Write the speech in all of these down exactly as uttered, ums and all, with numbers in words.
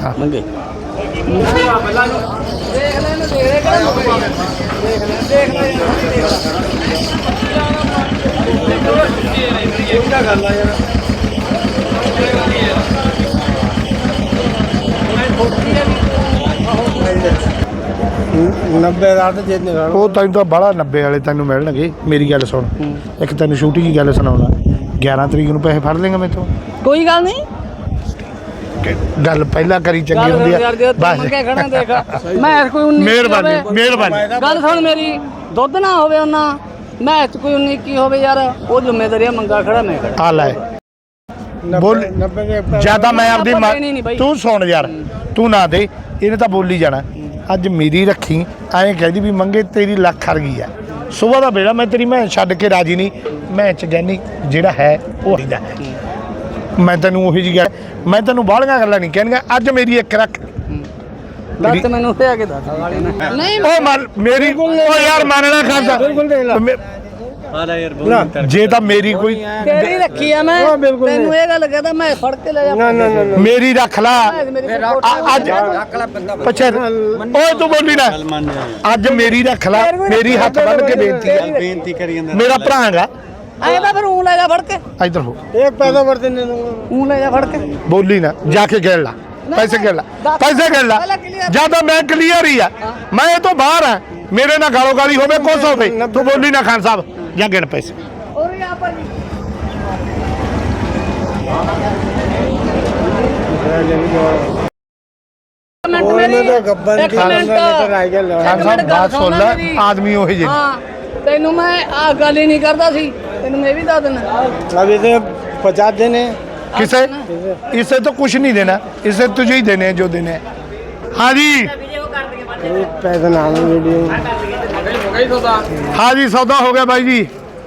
ਮੰਗੇ नब्बे रात जितने ਉਹ ਤੈਨੂੰ ਤਾਂ ਬਾਹਲਾ ਨੱਬੇ ਵਾਲੇ ਤੈਨੂੰ ਮਿਲਣਗੇ। ਮੇਰੀ ਗੱਲ ਸੁਣ, ਇੱਕ ਤੈਨੂੰ ਛੋਟੀ ਜਿਹੀ ਗੱਲ ਸੁਣਾਉਣਾ। ਗਿਆਰਾਂ ਤਰੀਕ ਨੂੰ ਪੈਸੇ ਫੜ ਲੇਗਾ ਮੈਥੋਂ? ਕੋਈ ਗੱਲ ਨਹੀਂ, ਗੱਲ ਪਹਿਲਾਂ ਕਰੀ ਚੰਗੀ ਹੁੰਦੀ ਆ। ਬਸ ਮੈਂ ਕੋਈ ਉਨੀ ਮਿਹਰਬਾਨੀ ਮਿਹਰਬਾਨੀ। ਗੱਲ ਸੁਣ ਮੇਰੀ, ਦੁੱਧ ਨਾ ਹੋਵੇ ਉਹਨਾਂ ਮੈਂ ਚ ਕੋਈ ਉਨੀ ਕੀ ਹੋਵੇ ਯਾਰ, ਉਹ ਜ਼ਿੰਮੇਵਾਰੀ ਆ, ਮੰਗਾ ਖੜਾ ਮੈਂ ਖੜਾ ਆ ਲੈ ਬੋਲ ਜਿਆਦਾ ਮੈਂ ਆਪਦੀ ਮਾਂ- ਤੂੰ ਸੁਣ ਯਾਰ, ਤੂੰ ਨਾ ਦੇ, ਇਹਨੇ ਤਾਂ ਬੋਲੀ ਜਾਣਾ। ਅੱਜ ਮੇਰੀ ਰੱਖੀ ਐਂ ਕਹਿੰਦੀ ਵੀ ਮੰਗੇ ਤੇਰੀ ਲੱਖ ਹਰ ਗਈ ਆ। ਸੁਬਾਹ ਦਾ ਵੇਲਾ ਮੈਂ ਤੇਰੀ ਮੈਂ ਛੱਡ ਕੇ ਰਾਜੀ ਨਹੀਂ। ਮੈਂ ਚ ਗੈਨੀ ਜਿਹੜਾ ਹੈ ਉਹ ਦਾ ਹੈ। ਮੈਂ ਤੈਨੂੰ ਉਹੀ ਜਿਹੀ ਗੱਲ, ਮੈਂ ਤੈਨੂੰ ਬਾਹਲੀਆਂ ਗੱਲਾਂ ਨਹੀਂ ਕਹਿਣੀਆਂ। ਅੱਜ ਮੇਰੀ ਇੱਕ ਰੱਖ ਦੱਸ ਮੈਨੂੰ ਤੇ ਆ ਕੇ ਦੱਸ ਨਹੀਂ ਉਹ ਮਨ ਮੇਰੀ ਉਹ ਯਾਰ ਮੰਨਣਾ ਖਾਂਦਾ ਜੇ ਤਾਂ ਮੇਰੀ ਕੋਈ ਤੇਰੀ ਰੱਖੀ ਆ ਮੈਂ ਤੈਨੂੰ ਇਹ ਗੱਲ ਕਹਦਾ ਮੈਂ ਫੜ ਕੇ ਲੈ ਜਾ। ਮੇਰੀ ਰੱਖ ਲਾ ਅੱਜ ਪਛੇ ਓਏ ਤੂੰ ਬੋਲੀ ਨਾ। ਅੱਜ ਮੇਰੀ ਰੱਖ ਲਾ, ਮੇਰੀ ਹੱਥ ਬੰਨ ਕੇ ਬੇਨਤੀ ਹੈ, बेनती करी ਜਾਂਦਾ ਮੇਰਾ ਭਰਾ ਹੈਗਾ। ਐ ਤਾਂ ਫਿਰ ਊਂ ਲੈ ਜਾ ਫੜ ਕੇ, ਇੱਧਰ ਹੋ, एक पैसा भरते नहीं ਊਂ ਲੈ ਜਾ ਫੜ ਕੇ। ਬੋਲੀ ਨਾ, ਜਾ ਕੇ ਗਿਣ ਲਾ ਪੈਸੇ, ਗਿਣ ਲਾ ਪੈਸੇ, ਗਿਣ ਲਾ। ਜਿਆਦਾ ਮੈਂ ਕਲੀਅਰ ਹੀ ਆ, ਮੈਂ ਇਹ ਤੋਂ ਬਾਹਰ ਆ। ਮੇਰੇ ਨਾਲ ਗਾਲੋ ਗਾਲੀ ਹੋਵੇ ਕੁਛ ਹੋਵੇ, ਤੂੰ ਬੋਲੀ ਨਾ ਖਾਨ ਸਾਹਿਬ, ਜਾਂ ਗਿਣ ਪੈਸੇ। ਔਰ ਯਾ ਪਰ गब्बर ਖਾਨ ਸਾਹਿਬ ਬਾਤ ਸੁਣ ਲੈ, ਆਦਮੀ ਉਹੀ ਜਿਹੇ। ਹਾਂ ਤੈਨੂੰ ਮੈਂ ਆ ਗੱਲ ਹੀ ਨਹੀਂ ਕਰਦਾ ਸੀ, ਤੈਨੂੰ ਮੈਂ ਵੀ ਦੱਸ ਦਿੰਦਾ। अब इसे पचास देने किसे इसे तो कुछ नहीं देना, इसे तुझे ही देने हैं जो देने हैं। हाँ जी पैसा नाम वीडियो हाँ जी सौदा हो गया भाई जी।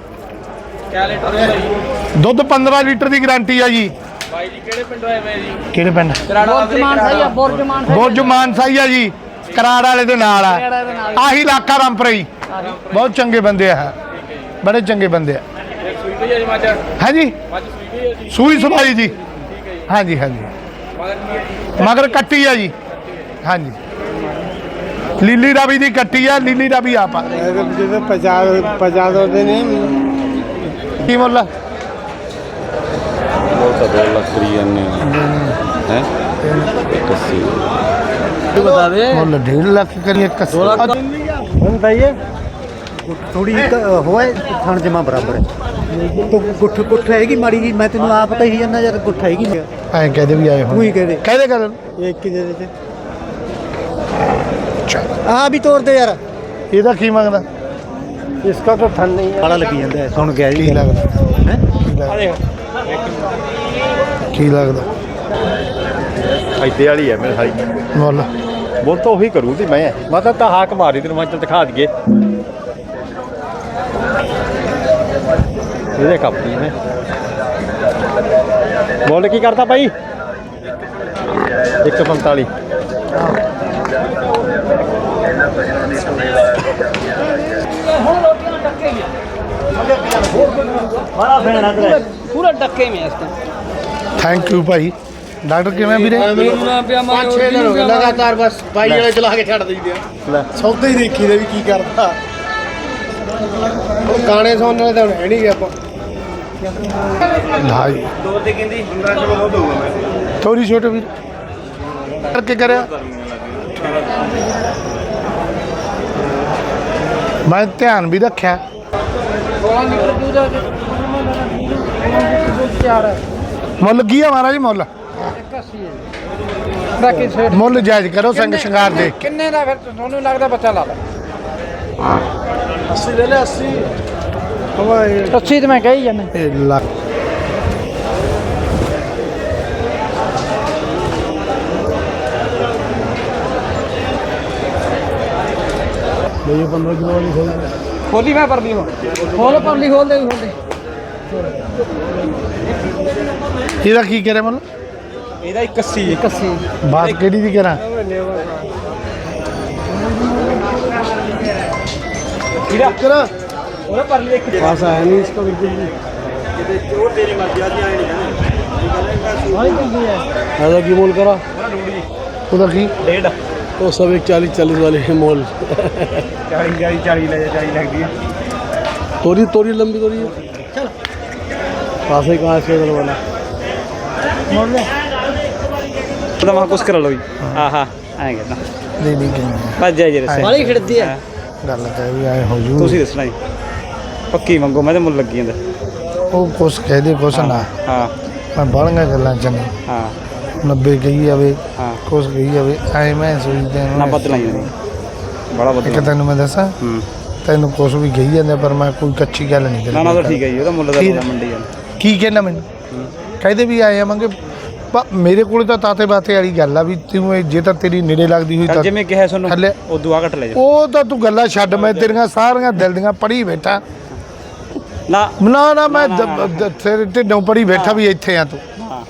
दुध पंद्रह लीटर की गारंटी है जी। ਕਿਹੜੇ ਪਿੰਡ? ਬੁਰਜਮਾਨ ਸਹੀ ਆ, ਬੁਰਜਮਾਨ ਸਹੀ ਬੁਰਜ ਮਾਨਸਾਈ ਆ ਜੀ, ਕਰਾੜ ਵਾਲੇ ਦੇ ਨਾਲ ਆ। ਆਹੀ ਇਲਾਕਾ ਰਾਮਪੁਰਾ ਜੀ, ਬਹੁਤ ਚੰਗੇ ਬੰਦੇ ਆ, ਬੜੇ ਚੰਗੇ ਬੰਦੇ ਆ। ਹੈ ਜੀ ਸੂਈ ਸਵਾਈ ਜੀ। हाँ जी हाँ जी मगर कट्टी है जी। हाँ जी लीली रावी की कट्टी है, लीली रावी आप जैसे पचास पचास देने की मुल दो लाख करी है बता दे मुल डेढ़ लाख करिए। बताइए थोड़ी होए थान जमा बराबर है तो गुठ गुठ हैगी माड़ी जी। मैं तेन आप पता ही जाना यार गुठ हैगी ऐ कहते भी आए हो, तू ही कह दे कहते कर एक की दे देते हाँ भी तोड़ दे यार। ਇਹਦਾ ਕੀ ਮੰਗਦਾ? इसका तो थन नहीं है बड़ा लगी जाता है सुन गया ਕੀ जी ਲੱਗਦਾ? हैं ਕੀ ਲੱਗਦਾ? ਇੱਥੇ ਵਾਲੀ ਹੈ ਮੇਰੇ ਸਾਈ ਮੁੱਲ ਬੋਲ ਤਾਂ ਉਹੀ ਕਰੂ ਤੇ ਮੈਂ ਮੈਂ ਤਾਂ ਤਾਂ ਹਾਕ ਮਾਰੀ ਤੈਨੂੰ ਮੈਂ ਚੱਲ ਦਿਖਾ ਦਈਏ ਇਹਦੇ ਕਾਪੀ ਨੇ ਬੋਲ ਕੀ ਕਰਦਾ ਭਾਈ ਇੱਕ ਸੌ ਪੰਤਾਲੀ बड़ा फैन है पूरा डक्के में इसका। थैंक यू भाई। डॉक्टर किवें ਵੀਰੇ? पाँच छः दिन हो गए लगातार बस बाई वाले चला के छड़ दी सौदे ही देखी दे भी की करता गाने सुनने तो है नहीं गया ढाई थोड़ी छोटे ਵੀਰ ਕਰਕੇ ਕਰਿਆ। ਮੈਂ ਧਿਆਨ ਵੀ ਰੱਖਿਆ। ਮੁੱਲ ਕੀ ਆ ਮਹਾਰਾਜ? ਮੁੱਲ ਮੁੱਲ ਜਾਇਜ਼ ਕਰੋ, ਸੰਗ ਸ਼ਿੰਗਾਰ ਦੇ किन्ने का फिर ਤੁਹਾਨੂੰ ਲੱਗਦਾ ਬੱਚਾ ਲਾ ਲਾ अस्सी ले ले अस्सी ਅੱਛੀ ਤੇ ਮੈਂ ਕਹੀ ਜਾਂਦਾ। ਇਹ ਲੱਖ ਇਹ पंद्रह किलो वाली खोल ਖੋਲੀ ਮੈਂ ਪਰਲੀ ਹੋ ਖੋਲ ਪਰਲੀ ਖੋਲ ਦੇ ਖੋਲ ਦੇ। ਇਹਦਾ ਕੀ ਕਰੇ ਮੁੱਲ? ਇਹਦਾ इक्यासी ਕੱਸੀ ਬਾਤ ਕਿਹੜੀ ਦੀ ਕਰਾਂ? ਉਹਨੇ ਪਰ ਲਈ ਇੱਕ ਪਾਸ ਆਇਆ ਨਹੀਂ ਇਸਕਾ ਬਿਲਕੁਲ ਵੀ ਜੋ ਤੇਰੀ ਮਰਜ਼ੀ ਆ ਜੀ ਆਏ ਨਹੀਂ ਕਹਿੰਦੇ ਇਹਦਾ ਕੀ ਮੁੱਲ ਕਰਾ? ਉਹਦਾ ਕੀ ਡੇਢ वो सब एक चालीस चालीस वाले हैं मोल ਚਾਲੀ ਚਾਲੀ ਚਾਲੀ ਲੈ ਜਾ ਚਾਲੀ ਲੱਗਦੀ ਹੈ तोरी तोरी लंबी तोरी है चल पास ही कहाँ से उधर वाला ਤਾਂ ਮੈਂ ਕੁਛ ਕਰਾ ਲਓ ਜੀ ਆਹਾ ਐਂ ਕਹਿੰਦਾ ਨਹੀਂ ਨਹੀਂ ਕਹਿੰਦੇ ਭੱਜ ਜਾ ਜਰੇ ਵਾਲੀ ਖਿੜਦੀ ਹੈ ਗੱਲ ਕਹਿ ਵੀ ਆਏ ਹੋ ਜੂ ਤੁਸੀਂ ਦੱਸਣਾ ਜੀ ਪੱਕੀ ਮੰਗੋ ਮੈਂ ਤੇ ਮੁੱਲ ਲੱਗੀ ਜਾਂਦਾ ਉਹ ਕੁਛ ਕਹਿ ਦੇ ਕੁਛ ਨਾ ਹਾਂ ਮੈਂ ਬਾਲੀਆਂ ਗੱਲਾਂ ਚ ਨਹੀਂ ਹਾਂ ਨੱਬੇ ਕਹੀ ਜਾਵੇ ਹਾਂ ਕੁਛ ਕਹੀ ਜਾਵੇ ਐ ਮੈਂ ਸੋਚਦਾ ਨਾ ਬਦਲਾਈ ਨਹੀਂ ਬੜਾ ਇੱਕ ਬਦਲਾ ਤੈਨੂੰ ਮੈਂ ਦੱਸਾਂ ਹੂੰ ਤੈਨੂੰ ਕੁਛ ਵੀ ਕਹੀ ਜਾਂਦੇ ਪਰ ਮੈਂ ਕੋਈ ਕੱਚੀ ਗੱਲ ਨਹੀਂ ਨਾ ਨਾ ਤਾਂ ਠੀਕ ਹੈ ਜੀ ਉਹਦਾ ਮੁੱਲ ਦਾ ਠੀਕ। ਮੰਡੀ ਜਾਂਦਾ ਕੀ ਕਹਿਣਾ ਮੈਨੂੰ ਕਹਿੰਦੇ ਵੀ ਆਏ ਆਵਾਂਗੇ ਪ- ਮੇਰੇ ਕੋਲ ਤਾਂ ਤਾਤੇ ਬਾਤੇ ਵਾਲੀ ਗੱਲ ਆ ਵੀ ਤੂੰ ਇਹ ਜੇ ਤਾਂ ਤੇਰੀ ਨੇੜੇ ਲੱਗਦੀ ਹੋਈ ਚੱਲ ਤਾਂ ਜਿਵੇਂ ਕਿਹਾ ਤੁਹਾਨੂੰ ਥੱਲੇ- ਉਦੋਂ ਆ ਘਟ ਲੈ ਜਾ ਉਹ ਤਾਂ ਤੂੰ ਗੱਲਾਂ ਛੱਡ ਮੈਂ ਤੇਰੀਆਂ ਸਾਰੀਆਂ ਦਿਲ ਦੀਆਂ ਪੜ੍ਹੀ ਬੈਠਾ ਨਾ ਨਾ ਨਾ ਮੈਂ ਦ- ਦ- ਤੇਰੇ ਢਿੱਡੋਂ ਪੜ੍ਹੀ ਬੈਠਾ ਵੀ ਇੱਥੇ ਆ ਤੂੰ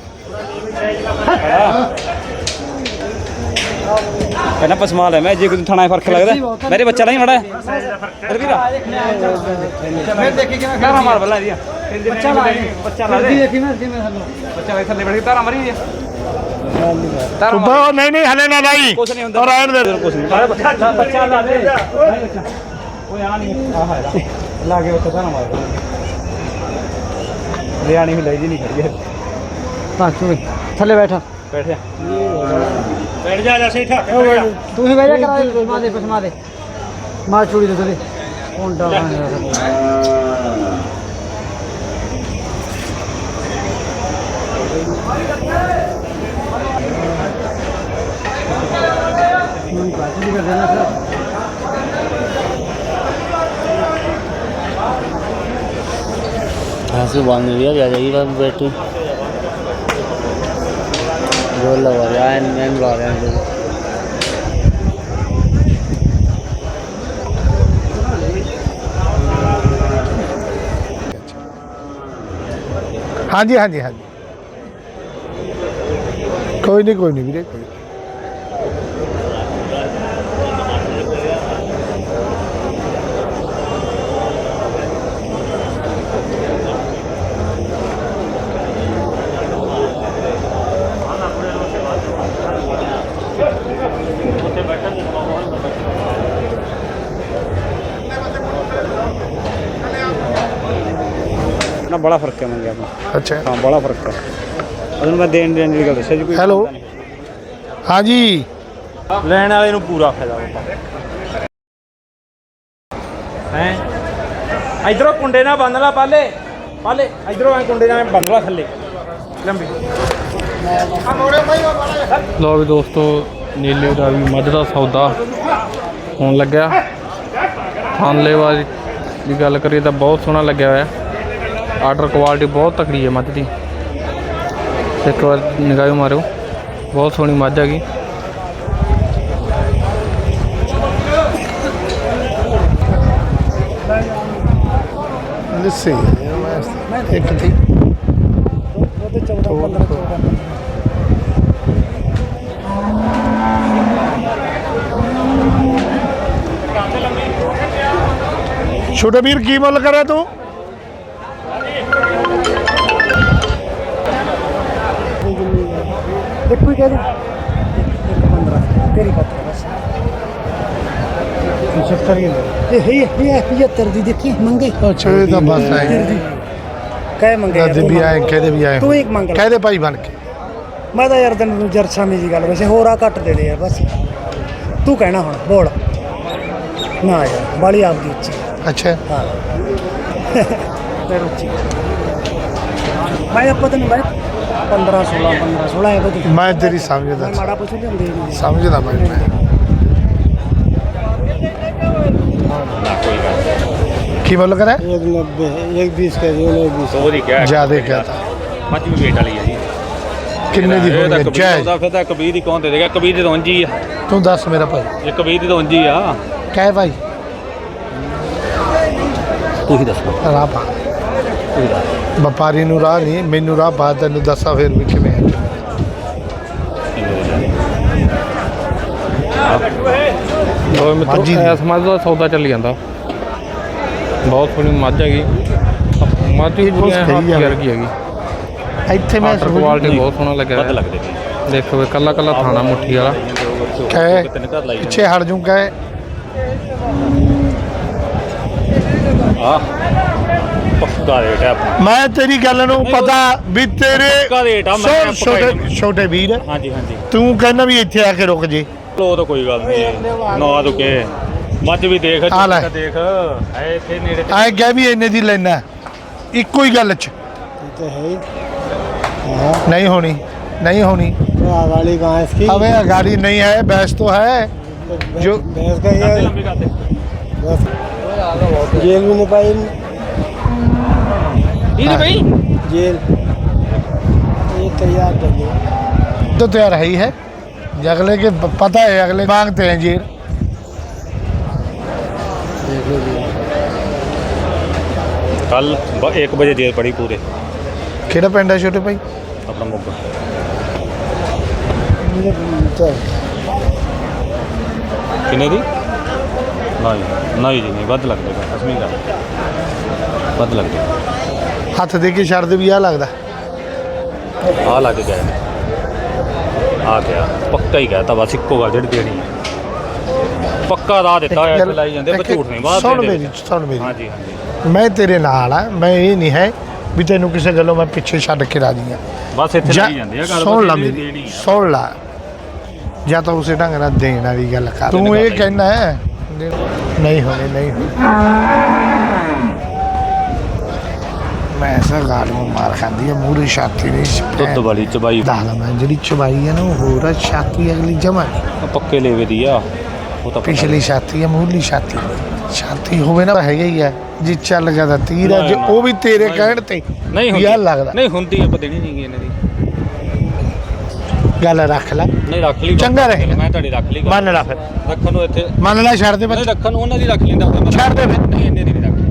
ਪਹਿਲਾਂ ਪਸਮਾ ਲੈ ਮੈਂ ਜੇ ਕੋਈ ਥਾਣਾ ਫਰਕ ਲੱਗਦਾ ਮੇਰੇ ਬੱਚਾ ਨਹੀਂ ਮੜਾ ਅਰੇ ਵੀਰਾ ਫਿਰ ਦੇਖੀ ਕਿਵੇਂ ਤਾਰਾ ਮਾਰ ਬੱਲਾ ਇਹਦੀਆਂ ਬੱਚਾ ਲਾ ਬੱਚਾ ਲਾ ਦੇ ਦੇਖੀ ਮੈਂ ਜਿਵੇਂ ਬੱਚਾ ਵੇ ਥੱਲੇ ਬੜੀ ਤਾਰਾ ਮਾਰੀ ਦੀ ਤਾਰਾ ਤੂੰ ਬਾ ਨਹੀਂ ਨਹੀਂ ਹਲੇ ਨਾ ਲਾਈ ਕੁਛ ਨਹੀਂ ਹੁੰਦਾ ਔਰ ਰਹਿਣ ਦੇ ਕੁਛ ਨਹੀਂ ਬੱਚਾ ਬੱਚਾ ਲਾ ਦੇ ਓਏ ਆ ਨਹੀਂ ਆ ਹੈ ਲਾ ਕੇ ਉੱਥੇ ਤਾਰਾ ਮਾਰ ਰਿਆਣੀ ਵੀ ਲੈ ਜੀ ਨਹੀਂ ਖੜੀ ਹੈ ਹਾਂ ਤੂੰ ਥੱਲੇ ਬੈਠਾ ਬੈਠ ਜਾ ਬੈਠ ਜਾ ਜਾ ਸਹੀ ਠੱਕ ਤੂੰ ਹੀ ਬੈਠਾ ਕਰਾ ਪਸਮਾ ਦੇ ਪਸਮਾ ਦੇ ਮਾਰ ਚੂੜੀ ਦੇ ਥੱਲੇ ਹੁੰਦਾ ऐसे बांध दिया जा जाएगी बस बैठी जोर लगा रहा है मैं बुला रहे हैं ਹਾਂਜੀ ਹਾਂਜੀ ਹਾਂਜੀ ਕੋਈ ਨਹੀਂ ਕੋਈ ਨਹੀਂ ਵੀਰੇ ਕੋਈ ਨੀ। ਨਾ ਬੜਾ ਫਰਕ ਹੈ ਮੰਗਿਆ ਆਪਣਾ ਅੱਛਾ ਹਾਂ ਬੜਾ ਫਰਕ ਹੈ ਉਹਨੂੰ ਮੈਂ ਦੇਣ ਦੇਣ ਦੀ ਗੱਲ ਦੱਸਿਆ ਜੀ ਕੋਈ ਹੈਲੋ ਹਾਂਜੀ ਲੈਣ ਵਾਲੇ ਨੂੰ ਪੂਰਾ ਫਾਇਦਾ ਹੋਊਗਾ ਹੈ ਇਧਰੋਂ ਕੁੰਡੇ ਨਾਲ ਬੰਨ ਲਾ ਪਾਲੇ ਪਾਲੇ ਇਧਰੋਂ ਐ ਕੁੰਡੇ ਨਾਲ ਬੰਨ ਲਾ ਥੱਲੇ ਲੰਬੀ ਲਓ ਵੀ ਦੋਸਤੋ ਨੀਲੇ ਦਾ ਵੀ ਮੱਝ ਦਾ ਸੌਦਾ ਹੋਣ ਲੱਗਿਆ ਥਾਨਲੇਵਾ ਦੀ ਗੱਲ ਕਰੀਏ ਤਾਂ ਬਹੁਤ ਸੋਹਣਾ ਲੱਗਿਆ ਹੋਇਆ ਆਰਡਰ ਕੁਆਲਿਟੀ ਬਹੁਤ ਤਕੜੀ ਹੈ ਮੱਝ ਦੀ ਇੱਕ ਵਾਰ ਨਿਗਾਹ ਮਾਰਿਓ ਬਹੁਤ ਸੋਹਣੀ ਮੱਝ ਹੈਗੀ ਲੱਸੀ ਇੱਕ ਥੀ ਛੋਟੇ ਵੀਰ ਕੀ ਮੁੱਲ ਕਰਿਆ ਤੂੰ देखो ही कह दे एक पंद्रह तेरी बात है बस पचहत्तर की ये है ये पचहत्तर दी देखी मंगे ਅੱਛਾ ਇਹ ਤਾਂ ਬਸ ਆਏ कह मंगे ਦਾਦੇ ਵੀ ਆਏ ਕਹਦੇ ਵੀ ਆਏ ਤੂੰ ਇੱਕ ਮੰਗ ਲੈ। ਕਹਦੇ ਭਾਈ ਬਣ ਕੇ ਮੈਂ ਤਾਂ ਯਾਰ ਤੈਨੂੰ ਜਰਸਾਮੀ ਦੀ ਗੱਲ ਵੈਸੇ ਹੋਰ ਆ ਘੱਟ ਦੇ ਦੇ ਯਾਰ ਬਸ ਤੂੰ ਕਹਿਣਾ ਹੁਣ ਬੋਲ ਨਾ ਯਾਰ ਬਾਲੀ ਆਪਦੀ ਉੱਚੀ ਅੱਛਾ ਹਾਂ ਤੇ ਉੱਚੀ ਮੈਂ ਆਪਾਂ ਤੈਨੂੰ ਬਾਈ ਪੰਦਰਾਂ ਸੋਲਾਂ ਪੰਦਰਾਂ ਸੋਲਾਂ ਇਹ ਬਦੀ ਮੈਂ ਤੇਰੀ ਸਮਝਦਾ ਮੈਂ ਮਾੜਾ ਪੁੱਛ ਲਿਆਉਂਦੇ ਨਹੀਂ ਸਮਝਦਾ ਮੈਂ ਕੀ ਮੁੱਲ ਕਰਿਆ एक नब्बे एक बीस का जो एक बीस ਉਹਦੀ ਕਿਹਾ ਜਿਆਦੇ ਕਹਤਾ ਮੱਝ ਵੀ ਵੇਟ ਵਾਲੀ ਹੈ ਜੀ ਕਿੰਨੇ ਦੀ ਇਹ ਤਾਂ ਹੋਣੀ ਕਬੀਰ ਜਾਇਜ਼ ਦਾ ਫਿਰ ਤਾਂ ਕਬੀਰ ਦੀ ਕੌਣ ਦੇ ਦੇਗਾ ਕਬੀਰ ਦੀ ਤਾਂ ਉਂਝ ਹੀ ਆ ਤੂੰ ਦੱਸ ਮੇਰਾ ਭਾਈ ਇਹ ਕਬੀਰ ਦੀ ਤਾਂ ਉਂਝ ਹੀ ਆ ਕਹਿ ਭਾਈ ਤੂੰ ਹੀ ਦੱਸ ਰਾਹ ਪਾ ਵਪਾਰੀ ਨੂੰ ਰਾਹ ਨਹੀਂ ਮੈਨੂੰ ਰਾਹ ਪਾ ਤੈਨੂੰ ਦੱਸਾਂ ਫਿਰ ਵੀ ਕਿਵੇਂ ਹੈ ਲਓ ਮਿੱਤਰੋ ਮੱਝ ਦੀ। ਇਸ ਮੱਝ ਦਾ ਸੌਦਾ ਚੱਲੀ ਜਾਂਦਾ ਬਹੁਤ ਸੋਹਣੀ ਮੱਝ ਹੈਗੀ ਮੱਝ ਵੀ ਇਹ ਕੁਛ ਪੂਰੀ ਕਹੀ ਹੱਥ ਜਾਵੇ। ਵਰਗੀ ਹੈਗੀ ਇੱਥੇ ਮੈਂ ਆਰਡਰ ਕੁਆਲਿਟੀ ਬਹੁਤ ਸੋਹਣਾ ਲੱਗਿਆ ਵੱਧ ਹੋਇਆ। ਲੱਗਦੇ ਨੇ ਦੇਖੋ ਵੀ ਕੱਲਾ ਕੱਲਾ ਥਾਣਾ ਮੁੱਠੀ ਵਾਲਾ। ਕਹੇ ਪਿੱਛੇ ਹਟ ਜੂ ਕਹੇ ਆ ਪੱਕਾ ਰੇਟ ਹੈ ਆਪਣਾ। ਮੈਂ ਤੇਰੀ ਗੱਲ ਨੂੰ ਪਤਾ ਵੀ ਤੇਰੇ ਪੱਕਾ ਰੇਟ ਆ। ਮੈਂ ਸੁਣ ਛੋਟੇ ਛੋਟੇ ਵੀਰ ਹਾਂਜੀ ਹਾਂਜੀ ਤੂੰ ਕਹਿੰਦਾ ਵੀ ਇੱਥੇ ਆ ਕੇ ਰੁਕ ਜੇ। ਉਹ ਤਾਂ ਕੋਈ ਗੱਲ ਨਹੀਂ ਨਾ ਰੁਕੇ। ਮੱਝ ਵੀ ਦੇਖ ਆ ਲੈ। ਦੇਖ ਹੈ ਇੱਥੇ ਨੇੜੇ ਤੇ। ਐ ਕਹਿ ਵੀ ਇੰਨੇ ਦੀ ਲੈਣਾ ਇੱਕੋ ਹੀ ਗੱਲ ਚ तो है ही नहीं होनी नहीं होनी। वाली कहाँ है इसकी अबे गाड़ी नहीं है भैंस तो है जो भैंस का ਕਰਦੇ ये ਲੰਬੀ ਕਰਦੇ बस जेल में नहीं पाई ਦੀਦੀ ਬਈ जेल ये तैयार कर दो तो तैयार है ही है अगले के पता है अगले मांगते हैं जी। ਕੱਲ ਇੱਕ ਵਜੇ ਜੇਲ੍ਹ ਪੜੀ ਪੂਰੇ ਕਿਹੜਾ ਪਿੰਡ ਹੈ ਛੋਟੇ ਭਾਈ? ਆਪਣਾ ਮੋਗਾ। ਕਿੰਨੇ ਦੀ? ਨਹੀਂ ਨਹੀਂ ਜੀ ਨਹੀਂ ਵੱਧ ਲੱਗਦੇ ਅਸਮੀ ਗੱਲ ਵੱਧ ਲੱਗਦੇ। ਹੱਥ ਦੇ ਕੇ ਛੱਡ ਦੇ ਵੀ ਆ ਲੱਗਦਾ। ਆ ਲੱਗ ਗਏ ਨੇ ਆ ਗਿਆ ਪੱਕਾ ਹੀ ਕਹਿਤਾ ਬਸ ਇੱਕੋ ਗੱਲ ਜਿਹੜੀ ਦੇਣੀ ਹੈ ਪੱਕਾ ਰਾਹ ਦਿੱਤਾ ਹੋਇਆ ਇੱਥੇ ਲਾਈ ਜਾਂਦੇ ਪਰ ਝੂਠ ਨਹੀਂ ਬਾਤ ਸੁਣ ਮੇਰੀ ਸੁਣ ਮੇਰੀ ਹਾਂਜੀ ਹਾਂਜੀ ਮੈਂ ਤੇਰੇ ਨਾਲ ਆ। ਮੈਂ ਇਹ ਨਹੀਂ ਹੈ ਵੀ ਤੈਨੂੰ ਕਿਸੇ ਗੱਲੋਂ ਮੈਂ ਪਿੱਛੇ ਛੱਡ ਕੇ ਰਾਜੀ ਆ। ਬਸ ਇੱਥੇ ਜਾਂ- ਲਾਈ ਜਾਂਦੇ ਆ ਗੱਲ ਸੁਣ ਲਾ ਬਸ ਮੇਰੀ ਦੇਣੀ ਆ। ਸੁਣ ਲਾ ਜਾਂ ਤਾਂ ਉਸੇ ਢੰਗ ਨਾਲ ਦੇਣ ਵਾਲੀ ਗੱਲ ਕਰ। ਤੂੰ ਇਹ ਕਹਿਣਾ ਹੈ ਨਹੀਂ ਹੋਣੀ ਨਹੀਂ ਹੋਣੀ। ਮੈਂ ਐਸਾ ਗਾਲ ਨੂੰ ਮਾਰ ਖਾਂਦੀ ਆ ਮੂਹਰੇ ਛਾਤੀ ਦੀ ਦੁੱਧ ਵਾਲੀ ਚਬਾਈ ਦਾਲ ਮੈਂ ਜਿਹੜੀ ਚਬਾਈ ਆ ਨਾ ਉਹ ਹੋਰ ਆ ਛਾਤੀ ਅਗਲੀ ਜਮਾ ਪੱਕੇ ਲੇਵੇ ਦੀ ਆ ਉਹ ਤਾਂ ਪਿਛਲੀ ਛਾਤੀ ਆ ਮੂਹਰਲੀ ਛਾਤੀ ਛਾਤੀ ਹੋਵੇ ਨਾ ਹੈਗਾ ਹੀ ਆ ਜੀ ਚੱਲ ਗਿਆ ਤਾਂ ਤੀਰ ਆ ਜੇ ਉਹ ਵੀ ਤੇਰੇ ਕਹਿਣ ਤੇ ਨਹੀਂ ਯਾਰ ਹੁੰਦੀ ਲੱਗਦਾ ਨਹੀਂ ਹੁੰਦੀ ਆਪਾਂ ਦੇਣੀ ਨਹੀਂ ਗੀ ਇਹਨਾਂ ਦੀ ਗੱਲ ਰੱਖ ਲੈ ਨਹੀਂ ਰੱਖ ਲਈ ਚੰਗਾ ਰਹੇਗਾ। ਮੈਂ ਤੁਹਾਡੀ ਰੱਖ ਲਈ ਗੱਲ। ਮੰਨ ਲੈ ਫਿਰ ਰੱਖਣ ਨੂੰ ਇੱਥੇ ਮੰਨ ਲੈ ਛੱਡ ਦੇ ਨਹੀਂ ਬੱਚੇ ਰੱਖਣ ਨੂੰ ਉਹਨਾਂ ਦੀ ਰੱਖ ਲੈਂਦਾ ਹੁੰਦਾ ਮੈਂ ਛੱਡ ਦੇ ਫਿਰ। ਨਹੀਂ ਇੰਨੇ ਦੀ ਨਹੀਂ ਰੱਖ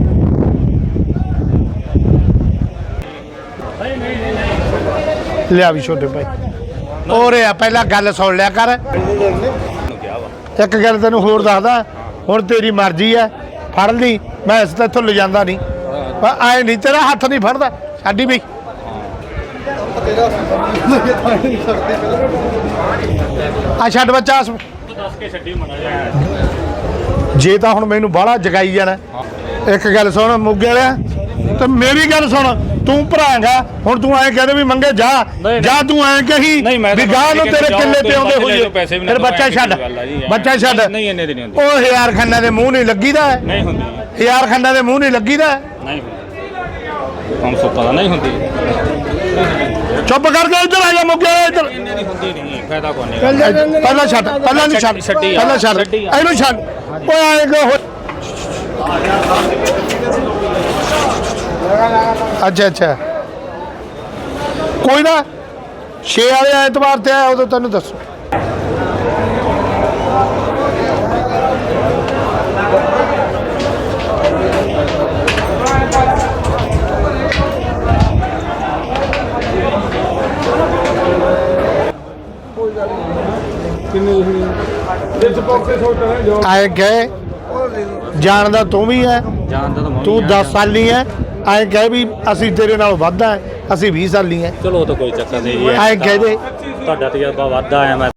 ਲਿਆ ਵੀ ਛੋਟੇ ਭਾਈ ਔਰੇ ਆ ਪਹਿਲਾਂ ਗੱਲ ਸੁਣ ਲਿਆ ਕਰ। ਨੂੰ ਕਿਹਾ ਵਾ ਇੱਕ ਗੱਲ ਤੈਨੂੰ ਹੋਰ ਦੱਸਦਾ ਹੁਣ ਤੇਰੀ ਮਰਜ਼ੀ ਆ ਫੜ ਲਈ ਮੈਂ ਇਸ ਤੇ ਇੱਥੋਂ ਲਿਜਾਂਦਾ ਨਹੀਂ ਪਰ ਐ ਨਹੀਂ ਤੇਰਾ ਹੱਥ ਨਹੀਂ ਫੜਦਾ ਸਾਡੀ ਵੀ ਆ ਛੱਡ ਬੱਚਾ ਤੂੰ ਦੱਸ ਕੇ ਛੱਡੀ ਮਨਾ ਜਾ ਜੇ ਤਾਂ ਹੁਣ ਮੈਨੂੰ ਬਾਹਲਾ ਜਗਾਈ ਜਾਣਾ ਇੱਕ ਗੱਲ ਸੁਣ ਮੁੱਗੇ ਵਾਲਿਆ ਤੇ ਮੇਰੀ ਗੱਲ ਸੁਣ ਤੂੰ ਭਰਾਂਗਾ ਹੁਣ ਤੂੰ ਐਂ ਕਹਿੰਦੇ ਵੀ ਮੰਗੇ ਜਾ ਜਾ ਤੂੰ ਐਂ ਕਹੀ ਨਹੀਂ, ਮੈਂ ਵੀ ਤਾਂ ਗਾਹ ਨੂੰ ਠੀਕ ਹੈ, ਤੇਰੇ ਜਾਓ, ਕਿੱਲੇ ਤੁਸੀਂ ਤੇ ਆਉਂਦੇ ਪੈਸੇ ਲੈ ਹੋਈਏ ਲਓ, ਪੈਸੇ ਵੀ ਨਾ ਫਿਰ ਦਿਓ, ਬੱਚਾ ਐਂ ਛੱਡ ਦੀ ਗੱਲ ਆ ਜੀ, ਐਂ। ਬੱਚਾ ਛੱਡ ਨਹੀਂ ਇੰਨੇ ਦੀ ਨਹੀਂ ਹੁੰਦੀ ਉਹ ਹਜ਼ਾਰ ਖੰਨਾ ਦੇ ਮੂੰਹ ਨਹੀਂ ਲੱਗੀਦਾ ਨਹੀਂ ਹੁੰਦੀ ਹਜ਼ਾਰ ਖੰਨਾ ਦੇ ਮੂੰਹ ਨਹੀਂ ਲੱਗੀਦਾ ਨਹੀਂ ਹੁੰਦੀ ਹਮ ਸੋ ਪਤਾ ਨਹੀਂ ਹੁੰਦੀ ਚੁੱਪ ਕਰਕੇ ਇੱਧਰ ਆ ਜਾ ਮੁੱਗੇ ਇੱਧਰ ਇੰਨੇ ਦੀ ਹੁੰਦੀ ਨਹੀਂ ਫਾਇਦਾ ਕੋਈ ਨਹੀਂ ਪਹਿਲਾਂ ਛੱਡ ਪਹਿਲਾਂ ਨਹੀਂ ਛੱਡ ਛੱਡੀ ਆ, ਪਹਿਲਾਂ ਛੱਡ ਛੱਡੀ ਆ। ਇਹਨੂੰ ਛੱਡ ਓਏ ਆਏਗਾ ਅੱਛਾ ਅੱਛਾ ਕੋਈ ਨਾ ਛੇ ਵਾਲੇ ਐਤਵਾਰ ਤੇ ਆਇਆ ਉਦੋਂ ਤੈਨੂੰ ਦੱਸੋ ਆਏ ਗਏ ਜਾਣਦਾ ਤੂੰ ਵੀ ਹੈ ਜਾਣਦਾ ਤਾਂ ਮੈਂ ਤੂੰ ਦਸ ਸਾਲੀ ਹੈ ਐਂ ਕਹੇ ਵੀ ਅਸੀਂ ਤੇਰੇ ਨਾਲ ਵੱਧ ਆ ਅਸੀਂ ਵੀਹ ਸਾਲੀ ਹੈ ਚਲੋ ਉਹ ਤਾਂ ਕੋਈ ਚੱਕਰ ਨਹੀਂ ਜੀ ਐਂ ਕਹਿ ਦੇ ਤੁਹਾਡਾ ਤਜਰਬਾ ਵੱਧ ਆਇਆ ਮੈਂ